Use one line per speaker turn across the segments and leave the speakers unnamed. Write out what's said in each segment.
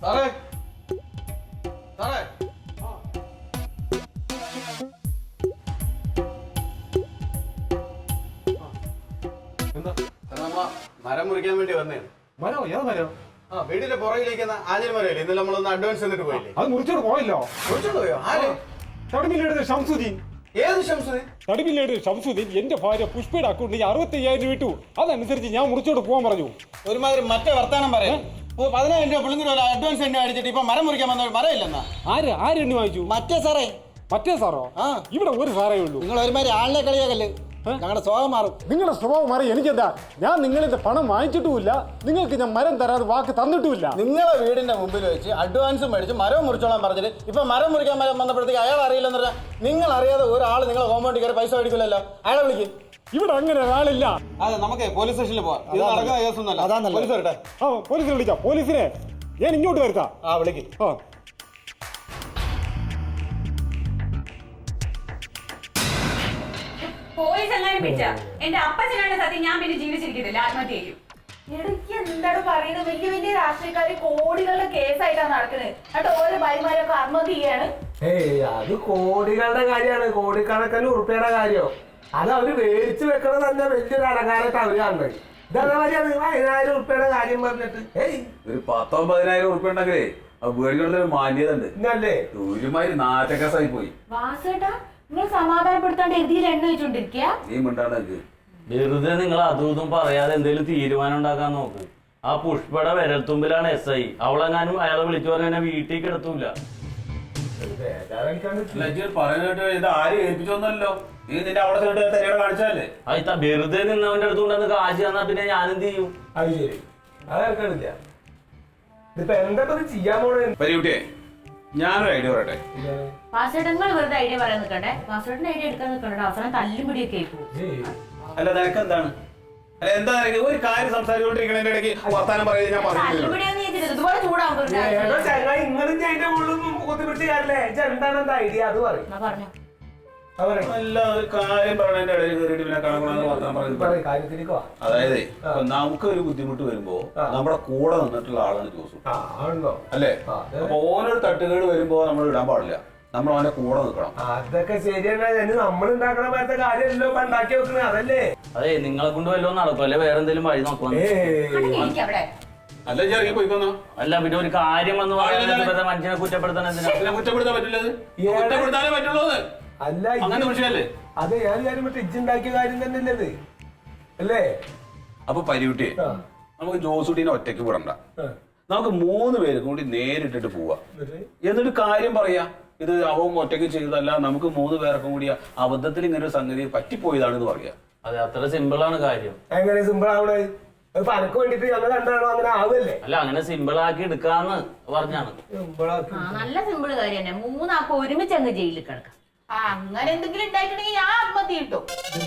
മരം മുറിക്കാൻ വേണ്ടി വന്നേ.
മരോ? ഏത് മരോ?
വീടിന്റെ പുറകിലേക്കുന്ന ആഞ്ഞിൽ മരമില്ലേ, ഇന്നലെ നമ്മളൊന്ന് അഡ്വാൻസ് തന്നിട്ട് പോയില്ലേ?
അത് മുറിച്ചോട് പോയല്ലോ.
മുറിച്ചോണ്ട് പോയോ? ആര്?
തടിമില്ലേട് ഷംസുദ്ദീൻ.
ഏത് ഷംസുദ്ദീൻ?
തടിമില്ലേട് ഷംസുദ്ദീൻ എന്റെ ഭാര്യ പുഷ്പയുടെ അക്കൗണ്ടിൽ 65,000 വിട്ടു. അതനുസരിച്ച് ഞാൻ മുറിച്ചോട് പോകാൻ പറഞ്ഞു.
ഒരുമാതിരി മറ്റേ വർത്താനം പറയാം. 15,000 രൂപ പിള്ളേർ അഡ്വാൻസ് എണ്ണ അടിച്ചിട്ട് ഇപ്പൊ മരം മുറിക്കാൻ വന്ന മരമില്ലെന്നാ.
ആര് എണ്ണി വാങ്ങിച്ചു?
മറ്റേ സാറേ.
മറ്റേ സാറോ? ഇവിടെ ഒരു സാറേ ഉള്ളൂ.
നിങ്ങൾ ഒരുമാതിരി ആളിനെ കളിയാക്കല്ലേ, ഞങ്ങളുടെ സ്വഭാവം മാറും.
നിങ്ങളുടെ സ്വഭാവം മാറി എനിക്കെന്താ? ഞാൻ നിങ്ങളിന്റെ പണം വാങ്ങിച്ചിട്ടുമില്ല, നിങ്ങൾക്ക് ഞാൻ മരം തരാതെ വാക്ക് തന്നിട്ടുമില്ല.
നിങ്ങളെ വീടിന്റെ മുമ്പിൽ വെച്ച് അഡ്വാൻസ് മേടിച്ച് മരം മുറിച്ചോളാൻ പറഞ്ഞിട്ട് ഇപ്പൊ മരം മുറിക്കാൻ വന്നപ്പോഴത്തേക്ക് അയാൾ അറിയില്ലെന്ന് പറഞ്ഞാൽ നിങ്ങൾ അറിയാതെ ഒരാൾ നിങ്ങളെ കോമ്പൗണ്ടിൽ കയറി പൈസ മേടിക്കില്ലല്ലോ. അയാളെ വിളിക്കും.
ഇവിടെ അങ്ങനെ ഒരാളില്ല.
അതെ, നമുക്ക് പോലീസ് സ്റ്റേഷനിൽ പോവാം. ഇത് നടക്കുന്ന കേസൊന്നുമല്ല. പോലീസ് വരട്ടെ.
പോലീസിനെ വിളിക്കാം. പോലീസിനെ ഞാൻ ഇങ്ങോട്ട് വരുത്താം.
വിളിക്കും.
പോലീസ് എങ്ങനെ പിടിച്ച എന്റെ അപ്പച്ചനാണ് സത്യം. ഞാൻ പിന്നെ ജീവിച്ചിരിക്കുന്നില്ല, ആത്മഹത്യ ചെയ്യും.
എനിക്ക് എന്താണ് പറയുന്നത്? വലിയ വലിയ രാഷ്ട്രീയക്കാര് കോടികളുടെ കേസായിട്ടാണ് നടക്കുന്നത്. എന്നിട്ട് ഓരോ ഭാര്യമാരൊക്കെ ആത്മഹത്യ ചെയ്യാണ്.
അത് കോടികളുടെ കാര്യമാണ്, കോടിക്കണക്കിന് ഉറുപ്പിയുടെ കാര്യം. അത് അവര് മേടിച്ചു വെക്കണത് തന്നെ വലിയൊരു അലങ്കാരമായിട്ട് അവര് കാണുന്നത്. ഇതേമാതിരിയാണ് 10,000 ഉറുപ്പിയുടെ കാര്യം പറഞ്ഞിട്ട്
ഒരു 10,000-15,000 ഉറുപ്പിക ഉണ്ടെങ്കിലേ വീടുകളിൽ മാന്യത ഉണ്ട്.
ഇന്നല്ലേ
ഒരുമാതിരി നാറ്റക്കേസായി പോയി.
വാസേട്ടാ, നിങ്ങൾ സമാധാനപ്പെടുത്താണ്ട് എഴുതിയിൽ എണ്ണ വെച്ചോണ്ടിരിക്കുക.
നീ മിണ്ടാണ്ട്
വെറുതെ നിങ്ങൾ അതും ഇതും പറയാതെ എന്തെങ്കിലും തീരുമാനം ഉണ്ടാക്കാൻ നോക്ക്. ആ പുഷ്പയുടെ വിരൽത്തുമ്പിലാണ് SI. അവളെങ്ങാനും അയാളെ വിളിച്ചു പറഞ്ഞാൽ വീട്ടിൽ കിടത്തൂല.
പറയാനായിട്ട് ഇത് ആരും ഏൽപ്പിച്ചോന്നല്ലോ. നീ നിന്റെ അവിടെ തരികട കാണിച്ചാലേ
വെറുതെ നിന്നവന്റെ അടുത്തുകൊണ്ടെന്ന് കാശ് തന്നാ പിന്നെ ഞാനെന്ത് ചെയ്യും?
അത് ശരി, അതെടുക്കണില്ല. ഇതിപ്പോ എന്താ ചെയ്യാൻ പോണേ?
പരികുട്ടിയെ, ഞാനൊരു ഐഡിയ പറയട്ടെ.
വാസേട്ടൻ നിങ്ങൾ വെറുതെ ഐഡിയ പറയാൻ നിൽക്കണ്ടേ. വാസേട്ടൻ ഐഡിയ എടുക്കാൻ നിൽക്കണ്ട. അവസാനം തല്ലും പിടിയൊക്കെ ആയിപ്പോ.
അല്ല, നിനക്ക് എന്താണ്? അല്ല, എന്താ ഒരു കാര്യം സംസാരിച്ചുകൊണ്ടിരിക്കണതിന്റെ ഇടയ്ക്ക് വർത്താനം പറയുന്നത് ഞാൻ പറഞ്ഞു.
ഇതുപോലെ ചൂടാവും.
ഇങ്ങനെ അതിന്റെ ഉള്ളിൽ കുത്തിപ്പിടിച്ച് കാര്യല്ലേ? എന്താണ് എന്താ ഐഡിയ? അത്
പറഞ്ഞു.
അല്ല, ഒരു കാര്യം പറയണതിന്റെ ഇടയിൽ കയറിയിട്ട് പിന്നെ കാണാൻ വർത്താനം പറയുന്നത്. അതായത് നമുക്ക് ഒരു ബുദ്ധിമുട്ട് വരുമ്പോ നമ്മുടെ കൂടെ നിന്നിട്ടുള്ള ആളാണ് ജോസു, അല്ലേ? അപ്പൊ ഓനൊരു തട്ടുകേട് വരുമ്പോ നമ്മൾ ഇടാൻ പാടില്ല, നമ്മൾ അവന്റെ കൂടെ നിൽക്കണം.
അതൊക്കെ ശരിയാണ്. നമ്മൾ ഉണ്ടാക്കണ പോലത്തെ കാര്യമല്ലോ ഉണ്ടാക്കി വെക്കണേ, അതല്ലേ?
അതെ, നിങ്ങളെ കൊണ്ട് വല്ലതും നടക്കും, അല്ലെ വേറെ എന്തെങ്കിലും വഴി നോക്കണം.
അല്ല, ഇറങ്ങി പോയിക്കൊന്നോ.
അല്ല, പിന്നെ ഒരു കാര്യം വന്ന് പറയുന്നത് മനുഷ്യനെ കുറ്റപ്പെടുത്താൻ എന്തിനാ?
കുറ്റപ്പെടുത്താൻ പറ്റില്ലത്, കുറ്റപ്പെടുത്താനേ പറ്റുള്ളൂ.
അല്ല,
അങ്ങനെ വിഷയല്ലേ?
അതെ, ഞാൻ കാര്യം മറ്റേ ഇജ്ജുണ്ടാക്കിയ കാര്യം തന്നെയല്ലേ അത്, അല്ലേ?
അപ്പൊ പരികുട്ടിയെ, നമുക്ക് ജോസൂട്ടിനെ ഒറ്റയ്ക്ക് വിടണ്ട. നമുക്ക് 3 പേരും കൂടി നേരിട്ടിട്ട് പോവാ, എന്നിട്ട് കാര്യം പറയാ. ഇത് അവൻ ഒറ്റയ്ക്ക് ചെയ്തതല്ല, നമുക്ക് 3 പേർക്കും കൂടി അബദ്ധത്തിൽ ഇങ്ങനെ ഒരു സംഗതി പറ്റിപ്പോയതാണെന്ന് പറയാ.
അതെ, അത്ര സിമ്പിൾ ആണ് കാര്യം.
എങ്ങനെ സിമ്പിൾ ആവണേ? പനക്ക് വേണ്ടിട്ട് ഞങ്ങൾ രണ്ടാണോ അങ്ങനെ ആവല്ലേ?
അല്ല, അങ്ങനെ സിമ്പിൾ ആക്കി എടുക്കാന്ന് പറഞ്ഞാണ്.
നല്ല സിമ്പിൾ കാര്യം തന്നെ. 3 ആൾക്ക് ഒരുമിച്ച് അങ്ങ് ജയിലിൽ കിടക്കാം. അങ്ങനെ എന്തെങ്കിലും ഉണ്ടായിട്ടുണ്ടെങ്കിൽ ഞാൻ ആത്മഹത്യ കിട്ടും.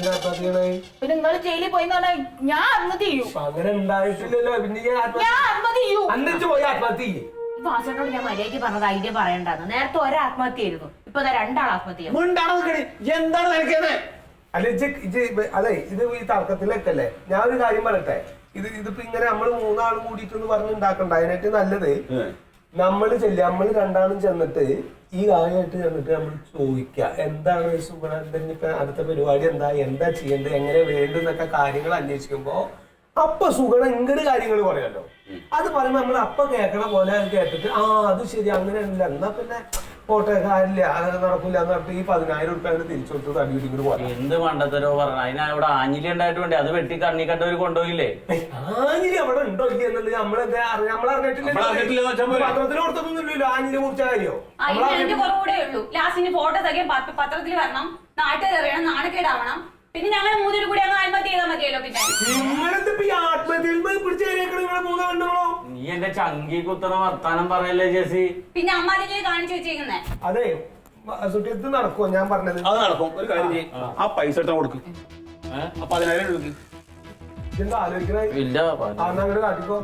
പിന്നെ നിങ്ങൾ ജയിലിൽ പോയിന്ന് പറഞ്ഞാൽ ഞാൻ ആത്മഹത്യ ചെയ്യും.
അങ്ങനെ ഉണ്ടായിട്ടില്ലല്ലോ, പിന്നെ
ഞാൻ ആത്മഹത്യ ചെയ്യും.
അന്നിട്ട് പോയി ആത്മഹത്യ ചെയ്യും.
വാസനോട് ഞാൻ മര്യാദയ്ക്ക് പറഞ്ഞത് ഐഡിയ പറയണ്ടാന്ന്. നേരത്തെ ഒരാത്മഹത്യ ആയിരുന്നു, ഇപ്പൊ 2 ആൾ ആത്മഹത്യ.
എന്താണ് നിനക്കേത്?
അല്ല, അതെ, ഇത് ഈ തർക്കത്തിലേക്കല്ലേ. ഞാനൊരു കാര്യം പറയട്ടെ. ഇതിപ്പോ ഇങ്ങനെ നമ്മള് 3 ആളും കൂടിയിട്ടൊന്ന് പറഞ്ഞ് ഉണ്ടാക്കണ്ട. അതിനായിട്ട് നല്ലത് നമ്മള് നമ്മൾ 2 ആളും ചെന്നിട്ട് ഈ കാര്യമായിട്ട് ചെന്നിട്ട് നമ്മൾ ചോദിക്കുക, എന്താണ് സുഗുണ അടുത്ത പരിപാടി, എന്താ ചെയ്യേണ്ടത്, എങ്ങനെ വേണ്ടെന്നൊക്കെ കാര്യങ്ങൾ അന്വേഷിക്കുമ്പോ അപ്പൊ സുഗുണ ഇങ്ങോട്ട് കാര്യങ്ങൾ പറയാലോ. അത് പറയുമ്പോ നമ്മൾ അപ്പൊ കേൾക്കണ പോലെ കേട്ടിട്ട് അത് ശരി, അങ്ങനെയല്ല, എന്നാ പിന്നെ പോട്ടെ, കാര്യമില്ല, അങ്ങനെ നടക്കില്ല എന്ന് പറഞ്ഞിട്ട് ഈ 10,000 ഉറുപ്പിക തിരിച്ചു കൊടുത്ത് തടിയിട്ടിങ്ങോട്ട് പോകാം.
എന്ത് മണ്ടത്തരോ പറഞ്ഞു. അതിനാ ഇവിടെ ആഞ്ഞിലി ഉണ്ടായിട്ട് വേണ്ടേ? അത് വെട്ടി കണ്ണി കണ്ടവര് കൊണ്ടുപോയില്ലേ?
ആഞ്ഞിലി അവിടെ ഉണ്ടോ ഇല്ല എന്നുള്ളത് നമ്മളറിഞ്ഞിട്ടില്ല. പത്രത്തിൽ കൊടുത്തൊന്നുമില്ലല്ലോ ആഞ്ഞിലി കുറിച്ച കാര്യോ.
കുറവുകൂടെ ഉള്ളൂ. ലാസ്റ്റിന് ഫോട്ടോ തകയും പത്രത്തിൽ വരണം, നാട്ടുകാർ അറിയണം, നാണക്കേടാവണം. പിന്നെ ഞങ്ങൾ 3 കൂടി അങ്ങ് ആത്മഹത്യ ചെയ്താൽ മതിയല്ലോ. പിന്നെ
നിങ്ങളെന്തിപ്പോ ഈ ആത്മഹത്യയിൽ പിടിച്ചു കയറിയേക്കണോ നിങ്ങളെ 3 പെണ്ണുങ്ങളോ?
നീ എന്റെ ചങ്കി കുത്തണ വർത്താനം പറയല്ലേ ജെസി.
പിന്നെ അമ്മ അതിനെ കാണിച്ചു വെച്ചേക്കുന്നേ.
അതെ, സുട്ടിയത്ത് നടക്കുമോ ഞാൻ പറഞ്ഞത്?
അത് നടക്കും. ഒരു കാര്യം ചെയ്യും, ആ പൈസ എടുത്താൽ കൊടുക്കും. 10,000 എടുക്കും.
എന്താ ആലോചിക്കണേ?
ഇല്ല,
അങ്ങോട്ട് കാട്ടിക്കോ.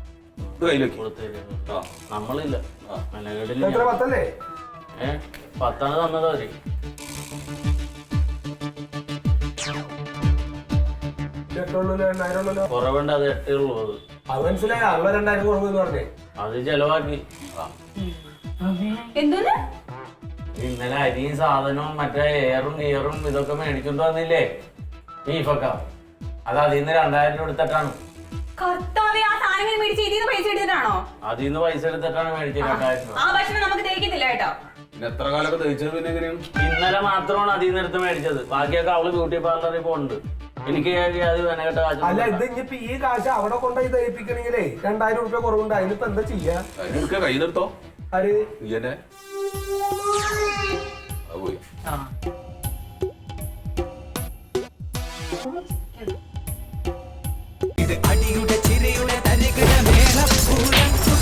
നമ്മളില്ല.
എത്ര 10
10 തന്നത് അവര്.
കുറവുണ്ട്,
അത് 8 ഉള്ളൂ.
അത് മനസ്സിലായി. 2,000 കുറവെന്ന് പറഞ്ഞേ.
അത് ചെലവാക്കി.
എന്തോന്ന്?
ഇന്നലെ അരിയും സാധനവും മറ്റേ എയറും ഗിയറും ഇതൊക്കെ മേടിച്ചോണ്ട് വന്നില്ലേ ബീഫൊക്കെ, അത് അതിന്ന് 2000 രൂപ എടുത്തിട്ടാണ്.
കർത്താവേ, ആ സാധനങ്ങൾ മേടിച്ച് ഇതിന്ന് പൈസ എടുത്തിട്ടാണോ?
അതിന്ന് പൈസ എടുത്തിട്ടാണ് മേടിച്ചത് 2000 രൂപ.
ആ ഭക്ഷണം നമുക്ക് ദഹിക്കത്തില്ല കേട്ടോ.
പിന്നെ എത്ര കാലൊക്കെ ദഹിച്ചത് പിന്നെ എങ്ങനെയാണ്?
ഇന്നലെ മാത്രമാണ് അതിൽ നിന്ന് എടുത്ത് മേടിച്ചത്. ബാക്കിയൊക്കെ അവള് ബ്യൂട്ടി പാർലറിൽ പോകുന്നുണ്ട്. എനിക്ക് അത് വെനകെട്ട
അല്ല, ഇത്
കാശ്.
ഇനിയിപ്പോ ഈ കാശ് അവിടെ കൊണ്ടുപോയി ദഹിപ്പിക്കണെങ്കിലേ 2000 രൂപ കുറവുണ്ട്. അതിനിപ്പോ എന്താ ചെയ്യാ?
അതിനൊക്കെ കൈ നിർത്തോ
ആര്
ഇയ്യന്നെ പോയി.
ഇത് അടിയുടെ ചിരിയുടെ തരികിട മേളപ്പൂരം